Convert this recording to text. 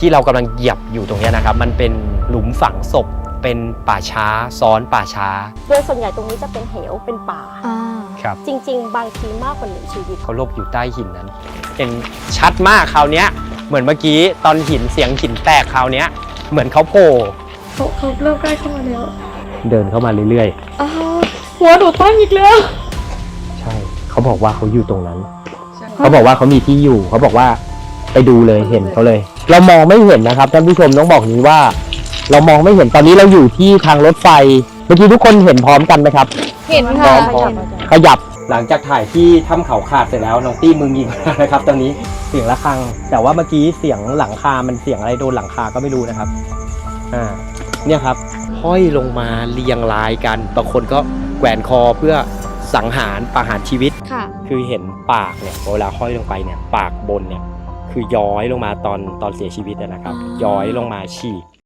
ที่เรากำลังเหยียบอยู่ตรงนี้นะครับมันเป็นหลุมฝังศพเป็นป่าช้าซ้อนป่าช้าโดยส่วนใหญ่ตรงนี้จะเป็นเหวเป็นป่าครับจริงๆบางทีมากกว่า1ชีวิตเขาหลบอยู่ใต้หินนั้นเห็นชัดมากคราวนี้เหมือนเมื่อกี้ตอนหินเสียงหินแตกคราวนี้เหมือนเขาโผล่เขาเริ่มใกล้เข้ามาแล้วเดินเข้ามาเรื่อยๆหัวหนูตั้งอีกแล้วใช่เขาบอกว่าเขาอยู่ตรงนั้นเขาบอกว่าเขามีที่อยู่เขาบอกว่าไปดูเลยเห็นเขาเลยเรามองไม่เห็นนะครับท่านผู้ชมต้องบอกนี้ว่าเรามองไม่เห็นตอนนี้เราอยู่ที่ทางรถไฟเมื่อกี้ทุกคนเห็นพร้อมกันไหมครับเห็นค่ะขยับหลังจากถ่ายที่ถ้ำเขาขาดเสร็จแล้วน้องตี้มือยิงนะครับตอนนี้เสียงระฆังแต่ว่าเมื่อกี้เสียงหลังคามันเสียงอะไรโดนหลังคาก็ไม่รู้นะครับเนี่ยครับห้อยลงมาเรียงรายกันบางคนก็แกว่งคอเพื่อสังหารประหารชีวิตคือเห็นปากเนี่ยเวลาห้อยลงไปเนี่ยปากบนเนี่ยคือย้อยลงมาตอนเสียชีวิตนะครับย้อยลงมาฉีก